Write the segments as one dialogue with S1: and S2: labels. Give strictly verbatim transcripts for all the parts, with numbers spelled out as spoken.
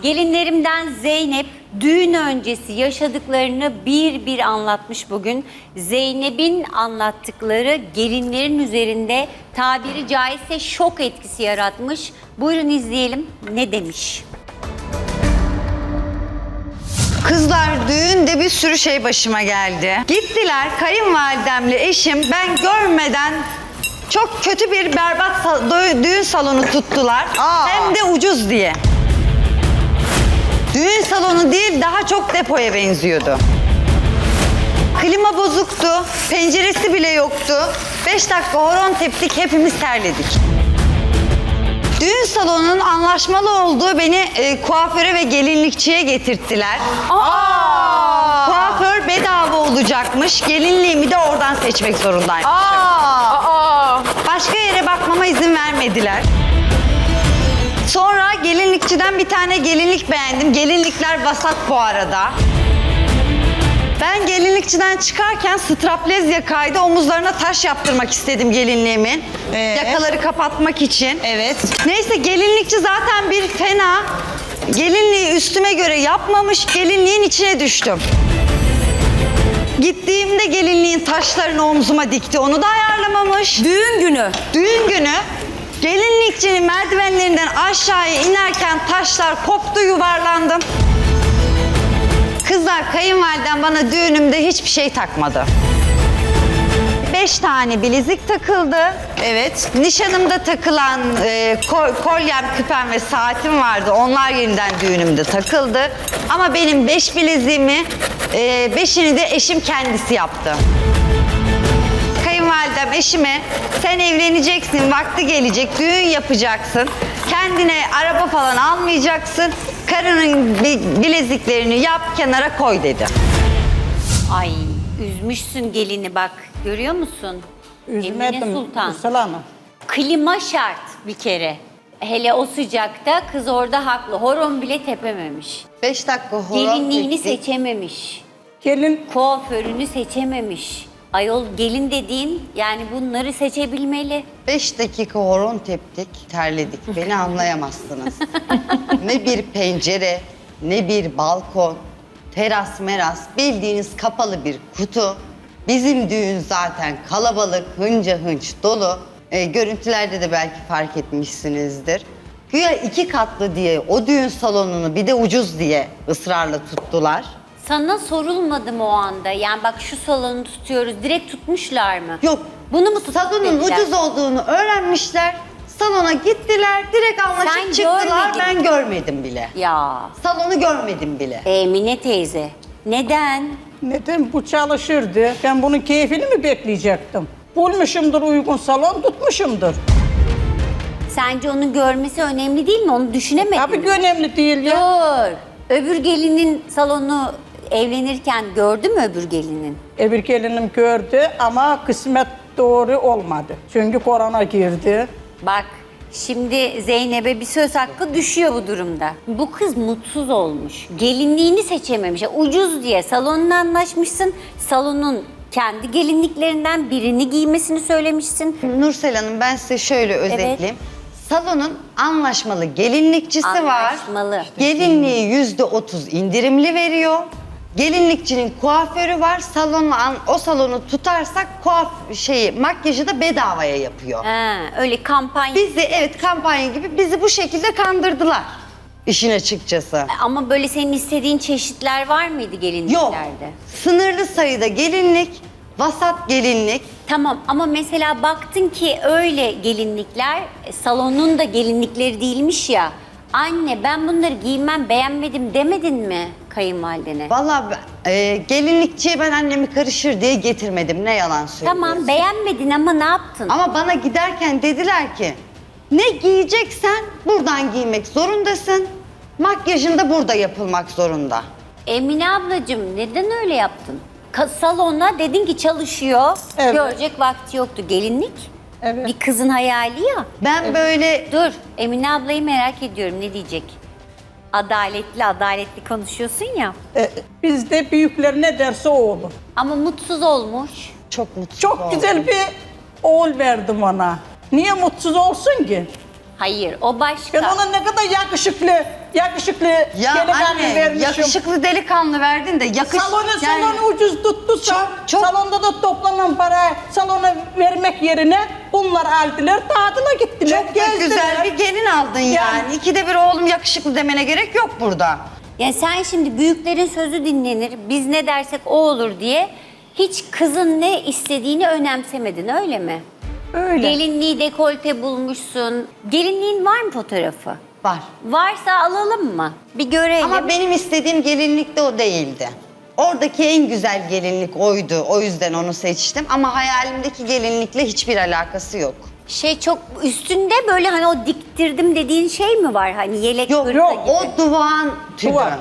S1: Gelinlerimden Zeynep düğün öncesi yaşadıklarını bir bir anlatmış bugün. Zeynep'in anlattıkları gelinlerin üzerinde tabiri caizse şok etkisi yaratmış. Buyurun izleyelim ne demiş.
S2: Kızlar düğünde bir sürü şey başıma geldi. Gittiler kayınvalidemle eşim ben görmeden çok kötü bir berbat sal- düğün salonu tuttular.
S3: Aa.
S2: Hem de ucuz diye. Düğün salonu değil daha çok depoya benziyordu. Klima bozuktu, penceresi bile yoktu. Beş dakika horon teptik, hepimiz terledik. Düğün salonunun anlaşmalı olduğu beni e, kuaföre ve gelinlikçiye getirttiler.
S3: Aa!
S2: Kuaför bedava olacakmış, gelinliğimi de oradan seçmek zorundaymışım.
S3: Aa!
S2: Başka yere bakmama izin vermediler. Sonra gelinlikçiden bir tane gelinlik beğendim. Gelinlikler vasat bu arada. Ben gelinlikçiden çıkarken straplez yakaydı. Omuzlarına taş yaptırmak istedim gelinliğimin.
S3: Ee?
S2: Yakaları kapatmak için.
S3: Evet.
S2: Neyse gelinlikçi zaten bir fena. Gelinliği üstüme göre yapmamış. Gelinliğin içine düştüm. Gittiğimde gelinliğin taşlarını omzuma dikti. Onu da ayarlamamış.
S1: Düğün günü.
S2: Düğün günü gelinlikçinin merdivenlerinden aşağıya inerken taşlar koptu, yuvarlandım. Kızlar kayınvalidem bana düğünümde hiçbir şey takmadı. Beş tane bilezik takıldı.
S3: Evet.
S2: Nişanımda takılan e, kol- kolyem, küpem ve saatim vardı. Onlar yeniden düğünümde takıldı. Ama benim beş bileziğimi, e, beşini de eşim kendisi yaptı. Kayınvalidem eşime sen evleneceksin, vakti gelecek, düğün yapacaksın. Kendine araba falan almayacaksın. Karının bi- bileziklerini yap, kenara koy dedi.
S1: Ay üzmüşsün gelini bak görüyor musun? Emine
S4: Üzmedim
S1: Sultan.
S4: Üstel Hanım.
S1: Klima şart bir kere. Hele o sıcakta kız orada haklı. Horon bile tepememiş.
S2: Beş dakika horon
S1: Gelinliğini
S2: teptik.
S1: seçememiş.
S4: Gelin
S1: Kuaförünü seçememiş. Ayol gelin dediğin yani bunları seçebilmeli.
S2: Beş dakika horon teptik, terledik. Beni anlayamazsınız. Ne bir pencere, ne bir balkon, teras meras, bildiğiniz kapalı bir kutu. Bizim düğün zaten kalabalık, hınca hınç dolu. E, görüntülerde de belki fark etmişsinizdir. Güya iki katlı diye o düğün salonunu bir de ucuz diye ısrarla tuttular.
S1: Sana sorulmadı mı o anda? Yani bak şu salonu tutuyoruz. Direkt tutmuşlar mı?
S2: Yok.
S1: Bunu mu tutup
S2: Salonun
S1: dediler?
S2: ucuz olduğunu öğrenmişler. Salona gittiler, direkt anlaşıp
S1: Sen
S2: çıktılar.
S1: görmedin.
S2: Ben görmedim bile.
S1: Ya
S2: Salonu görmedim bile.
S1: Emine teyze. Neden?
S4: neden bu çalışırdı? Ben bunun keyfini mi bekleyecektim? Bulmuşumdur uygun salon, tutmuşumdur.
S1: Sence onun görmesi önemli değil mi? Onu düşünemedin
S4: Tabii
S1: mi?
S4: ki önemli değil ya.
S1: Dur. Öbür gelinin salonu evlenirken gördü mü öbür gelinin?
S4: Öbür gelinim gördü ama kısmet doğru olmadı. Çünkü korona girdi.
S1: Bak şimdi Zeynep'e bir söz hakkı düşüyor bu durumda. Bu kız mutsuz olmuş. Gelinliğini seçememiş. Ucuz diye salonla anlaşmışsın. Salonun kendi gelinliklerinden birini giymesini söylemişsin.
S2: Nursel Hanım ben size şöyle özetleyeyim. Salonun anlaşmalı gelinlikçisi
S1: Anlaşmalı.
S2: var. Gelinliği yüzde otuz indirimli veriyor. Gelinlikçinin kuaförü var. Salonu, o salonu tutarsak kuaf şeyi, makyajı da bedavaya yapıyor.
S1: Ha, öyle kampanya.
S2: Bizi evet kampanya gibi bizi bu şekilde kandırdılar. İşin açıkçası.
S1: Ama böyle senin istediğin çeşitler var mıydı
S2: Yok.
S1: gelinliklerde?
S2: Sınırlı sayıda gelinlik, vasat gelinlik.
S1: Tamam ama mesela baktın ki öyle gelinlikler e, salonun da gelinlikleri değilmiş ya. Anne ben bunları giymem beğenmedim demedin mi kayınvalidene?
S2: Vallahi e, gelinlikçiye ben annemi karışır diye getirmedim. Ne yalan söylüyorsun.
S1: Tamam beğenmedin ama ne yaptın?
S2: Ama bana giderken dediler ki ne giyeceksen buradan giymek zorundasın. Makyajın da burada yapılmak zorunda.
S1: Emine ablacığım neden öyle yaptın? Ka- salona dedin ki çalışıyor,
S4: Evet.
S1: görecek vakti yoktu. Gelinlik
S4: Evet.
S1: bir kızın hayali ya.
S2: Ben böyle
S1: Dur Emine ablayı merak ediyorum ne diyecek? Adaletli adaletli konuşuyorsun ya.
S4: E, bizde büyükler ne derse o olur.
S1: Ama mutsuz olmuş.
S2: çok mutsuz
S4: Çok
S2: oldum.
S4: güzel bir oğul verdim ona. Niye mutsuz olsun ki?
S1: Hayır o başka.
S4: Ben ona ne kadar yakışıklı, yakışıklı
S2: Ya
S4: delikanlı
S2: anne,
S4: vermişim.
S2: yakışıklı delikanlı verdin de yakış...
S4: Salonu
S2: yani-
S4: salonu ucuz tuttusa,
S2: Çok- çok-
S4: salonda da toplanan parayı salona vermek yerine bunlar aldılar, tatile gittiler,
S2: Çok da
S4: gezdiler.
S2: güzel bir gelin aldın yani.
S4: Yani-
S2: İkide bir oğlum yakışıklı demene gerek yok burada.
S1: Yani sen şimdi büyüklerin sözü dinlenir, biz ne dersek o olur diye hiç kızın ne istediğini önemsemedin öyle mi?
S4: Öyle.
S1: Gelinliği dekolte bulmuşsun. Gelinliğin var mı fotoğrafı?
S2: Var.
S1: Varsa alalım mı? Bir görelim.
S2: Ama benim istediğim gelinlik de o değildi. Oradaki en güzel gelinlik oydu. O yüzden onu seçtim. Ama hayalimdeki gelinlikle hiçbir alakası yok.
S1: Şey çok üstünde böyle hani o diktirdim dediğin şey mi var? Hani yelek
S2: Yok
S1: hırka
S2: yok
S1: gibi.
S2: o duvağın tübü.
S4: Duvar.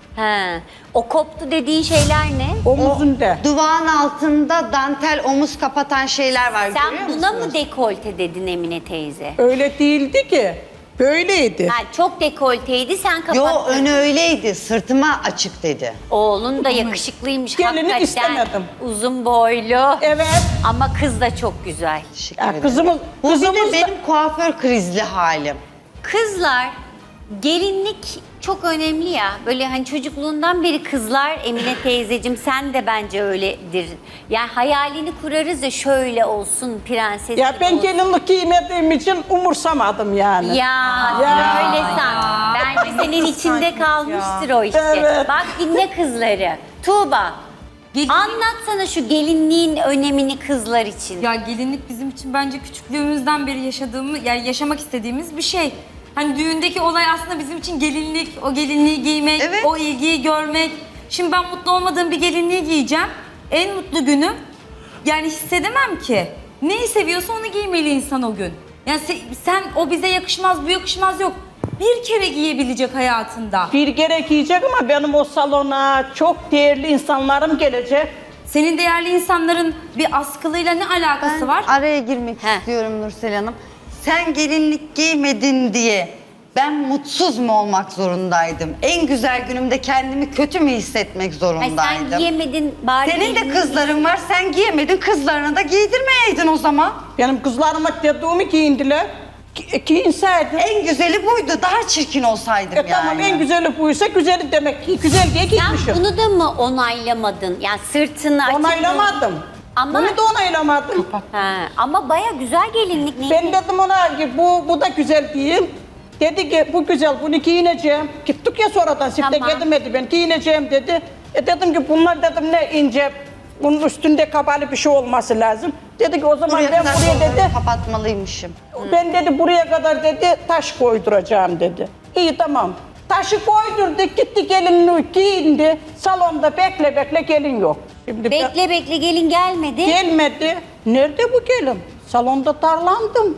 S1: He. O koptu dediğin şeyler ne?
S4: Omuzunda.
S2: Duvağın altında dantel omuz kapatan şeyler var,
S1: Sen
S2: görüyor
S1: buna
S2: musunuz?
S1: mı dekolte dedin Emine teyze?
S4: Öyle değildi ki. Böyleydi.
S1: Ha, çok dekolteydi sen kapattın.
S2: Yo, önü öyleydi, sırtıma açık dedi.
S1: Oğlun da yakışıklıymış
S4: Gelini
S1: hakikaten.
S4: istemedim.
S1: Uzun boylu.
S4: Evet.
S1: Ama kız da çok güzel.
S2: Teşekkür
S4: Ya
S2: ederim.
S4: kızımız,
S2: Bu bir
S4: kızımız
S2: de
S4: da-
S2: benim kuaför krizli halim.
S1: Kızlar, gelinlik çok önemli ya. Böyle hani çocukluğundan beri kızlar, Emine teyzecim sen de bence öyledir. Yani hayalini kurarız ya şöyle olsun prenses
S4: Ya
S1: gibi
S4: ben
S1: olsun.
S4: gelinlik giymediğim için umursamadım yani.
S1: Ya,
S4: Ya.
S1: öyle san. Bence senin içinde kalmıştır o işte.
S4: Evet.
S1: Bak dinle kızları. Tuğba,
S5: Gelin-
S1: anlatsana şu gelinliğin önemini kızlar için.
S5: Ya gelinlik bizim için bence küçüklüğümüzden beri yaşadığımız, yani yaşamak istediğimiz bir şey. Hani düğündeki olay aslında bizim için gelinlik, o gelinliği giymek,
S2: Evet.
S5: o ilgiyi görmek. Şimdi ben mutlu olmadığım bir gelinliği giyeceğim. En mutlu günüm. Yani hissedemem ki. Neyi seviyorsa onu giymeli insan o gün. Yani se- sen o bize yakışmaz, bu yakışmaz yok. Bir kere giyebilecek hayatında.
S4: Bir kere giyecek ama benim o salona çok değerli insanlarım gelecek.
S5: Senin değerli insanların bir askılıyla ne alakası
S2: Ben
S5: var?
S2: araya girmek
S1: Heh.
S2: istiyorum Nursel Hanım. Sen gelinlik giymedin diye ben mutsuz mu olmak zorundaydım? En güzel günümde kendimi kötü mü hissetmek
S1: Ay
S2: zorundaydım?
S1: sen giyemedin bari.
S2: Senin de
S1: gelinliği-
S2: kızların var, sen giyemedin, kızlarına da giydirmeyeydin o zaman.
S4: Benim kızlarıma dediğimi giyindiler. Gi- Giyinseydim.
S2: En güzeli buydu, daha çirkin olsaydım
S4: E
S2: yani.
S4: tamam en güzeli buysa güzeli demek ki güzel diye
S1: Sen
S4: giymişim.
S1: bunu da mı onaylamadın? Yani sırtını açıp...
S4: Onaylamadım.
S1: Ama-
S4: Bunu da onaylamadım.
S1: Ha, ama baya güzel gelinlik. Ne?
S4: Ben dedim ona ki bu, bu da güzel giyin. Dedi ki bu güzel bunu giyineceğim. Gittik ya sonradan sifte
S1: Tamam.
S4: gidemedi ben giyineceğim dedi. E dedim ki bunlar dedim ne ince bunun üstünde kapalı bir şey olması lazım. Dedi ki o zaman
S2: Buraya
S4: ben
S2: kadar
S4: buraya
S2: kollarımı
S4: dedi
S2: kapatmalıymışım.
S4: ben dedi buraya kadar dedi taş koyduracağım dedi. İyi tamam. Taşı koydurduk gitti gelinliği giyindi. Salonda bekle bekle gelin yok. Şimdi ben-
S1: Bekle bekle gelin gelmedi.
S4: Gelmedi. Nerede bu gelin? Salonda darlandım.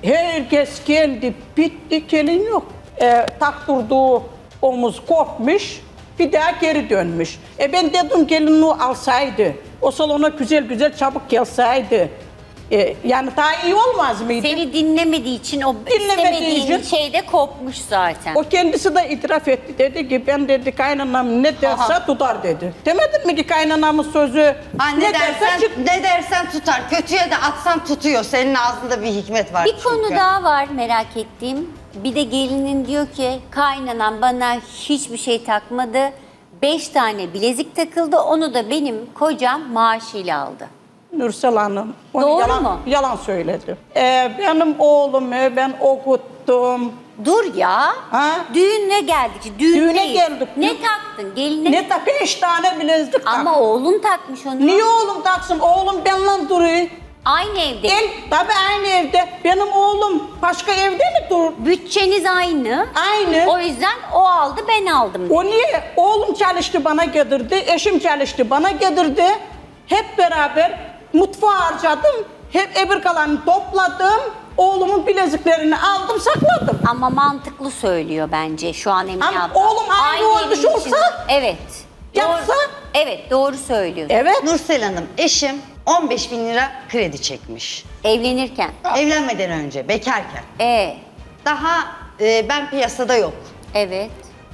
S4: Herkes geldi, bitti, gelin yok. E, taktırdığı omuz kopmuş, bir daha geri dönmüş. E ben dedim gelinliği alsaydı, o salona güzel güzel çabuk gelseydi. E, yani daha iyi olmaz mıydı?
S1: Seni dinlemediği için o
S4: Dinlemediği
S1: istemediğin
S4: için-
S1: şey de kopmuş zaten.
S4: O kendisi de itiraf etti. Dedi ki ben dedi kaynanam ne derse
S2: Aha.
S4: tutar dedi. Demedin mi ki kaynanamın sözü
S2: Ha, ne, dersen,
S4: çık-
S2: ne dersen tutar. Kötüye de atsan tutuyor. Senin ağzında bir hikmet var
S1: Bir
S2: çünkü.
S1: konu daha var merak ettiğim. Bir de gelinin diyor ki kaynanan bana hiçbir şey takmadı. Beş tane bilezik takıldı. Onu da benim kocam maaşıyla aldı.
S4: Nursel Hanım. Onu
S1: Doğru
S4: yalan,
S1: mu?
S4: Yalan söyledi. Ee, benim oğlumu ben okuttum.
S1: Dur ya.
S4: Ha?
S1: Düğüne geldik. Düğün
S4: Düğüne
S1: değil.
S4: geldik.
S1: Ne
S4: Dü-
S1: taktın? Geline
S4: Ne ta beş tane bilezik
S1: Ama
S4: tak.
S1: oğlun takmış onu.
S4: Niye oğlum taksın? Oğlum benimle duruyor.
S1: Aynı evde.
S4: El, tabii aynı evde. Benim oğlum başka evde mi dur?
S1: Bütçeniz aynı.
S4: Aynı.
S1: O yüzden o aldı ben aldım.
S4: O niye? Oğlum çalıştı bana getirdi, eşim çalıştı bana getirdi. Hep beraber mutfağa harcadım. Hep ebir kalanını topladım. Oğlumun bileziklerini aldım, sakladım.
S1: Ama mantıklı söylüyor bence şu an Emine
S4: Ama
S1: abla.
S4: oğlum aynı olmuş
S1: evin
S4: olsa-
S1: içinde- Evet.
S4: Yapsa-
S1: Doğru, evet doğru söylüyorsun.
S4: Evet.
S2: Nursel Hanım, eşim on beş bin lira kredi çekmiş.
S1: Evlenirken.
S2: Evlenmeden önce, bekarken.
S1: E,
S2: Daha e, ben piyasada yok.
S1: evet.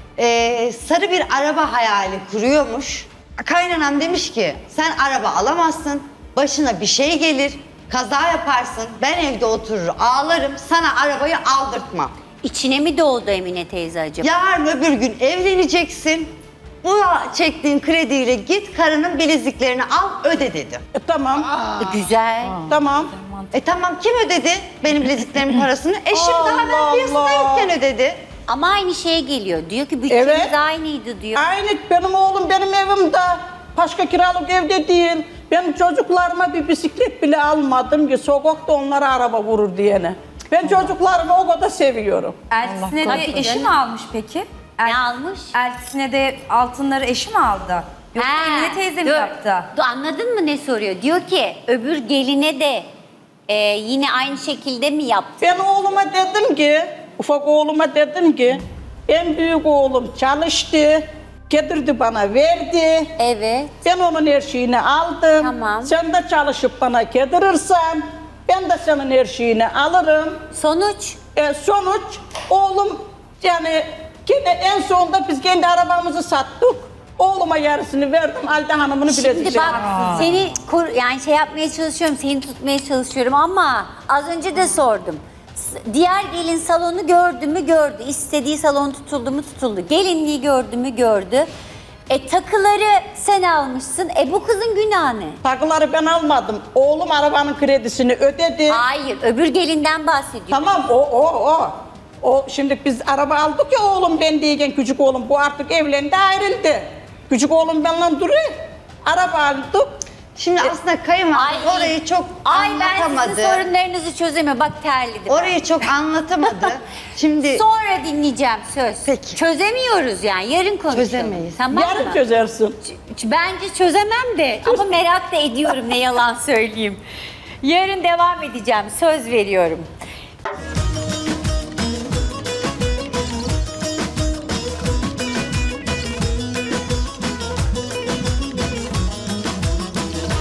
S2: E, sarı bir araba hayali kuruyormuş. Kaynanam demiş ki sen araba alamazsın, başına bir şey gelir, kaza yaparsın, ben evde oturur ağlarım, sana arabayı aldırtmam.
S1: İçine mi doğdu Emine teyze acaba?
S2: Yarın öbür gün evleneceksin. Bu çektiğin krediyle git karının bileziklerini al öde dedi.
S4: E, tamam.
S1: Güzel.
S4: Tamam.
S2: E tamam kim ödedi benim bileziklerimin parasını? Eşim daha ben
S4: Allah
S2: piyasada
S4: Allah.
S2: yokken ödedi.
S1: Ama aynı şeye geliyor. Diyor ki bütçemiz
S4: Evet.
S1: aynıydı diyor.
S4: Aynı benim oğlum benim evimde. Başka kiralık evde değil. Ben çocuklarıma bir bisiklet bile almadım ki sokakta onlara araba vurur diyene. Ben çocuklarımı o kadar seviyorum.
S5: Eltisine de
S1: korusun.
S5: eşi mi almış peki?
S1: Ne almış?
S5: Eltisine de altınları eşi mi aldı? Yoksa
S1: Ha,
S5: Emine teyze mi
S1: dur.
S5: yaptı?
S1: Dur, anladın mı ne soruyor? Diyor ki öbür geline de e, yine aynı şekilde mi yaptı?
S4: Ben oğluma dedim ki, ufak oğluma dedim ki, en büyük oğlum çalıştı, getirdi bana verdi.
S1: Evet.
S4: Ben onun her şeyini aldım.
S1: Tamam.
S4: Sen de çalışıp bana getirirsen, ben de senin her şeyini alırım.
S1: Sonuç?
S4: E, sonuç oğlum yani gene en sonunda biz kendi arabamızı sattık. Oğluma yarısını verdim, Halide Hanım'ını
S1: Şimdi
S4: bilezik.
S1: bak seni kur, yani şey yapmaya çalışıyorum, seni tutmaya çalışıyorum ama az önce de sordum. S- Diğer gelin salonu gördü mü gördü. İstediği salon tutuldu mu tutuldu. Gelinliği gördü mü gördü. E takıları sen almışsın. E bu kızın günahı ne?
S4: Takıları ben almadım. Oğlum arabanın kredisini ödedi.
S1: Hayır, öbür gelinden bahsediyor.
S4: Tamam o o o. O şimdi biz araba aldık ya oğlum ben diyken küçük oğlum bu artık evlendi ayrıldı. Küçük oğlum benimle duruyor. Araba aldık.
S2: Şimdi aslında kayınvalide orayı çok
S1: Ay ben
S2: anlatamadı.
S1: sizin sorunlarınızı çözemiyorum. Bak terledim. ben.
S2: Orayı çok anlatamadı. Şimdi
S1: Sonra dinleyeceğim söz.
S2: Peki.
S1: Çözemiyoruz yani. Yarın konuşalım.
S2: Çözemeyiz.
S1: Tamam
S4: Yarın
S1: mı?
S4: çözersin.
S1: Ç- Bence çözemem de ama merak da ediyorum ne yalan söyleyeyim. Yarın devam edeceğim. Söz veriyorum.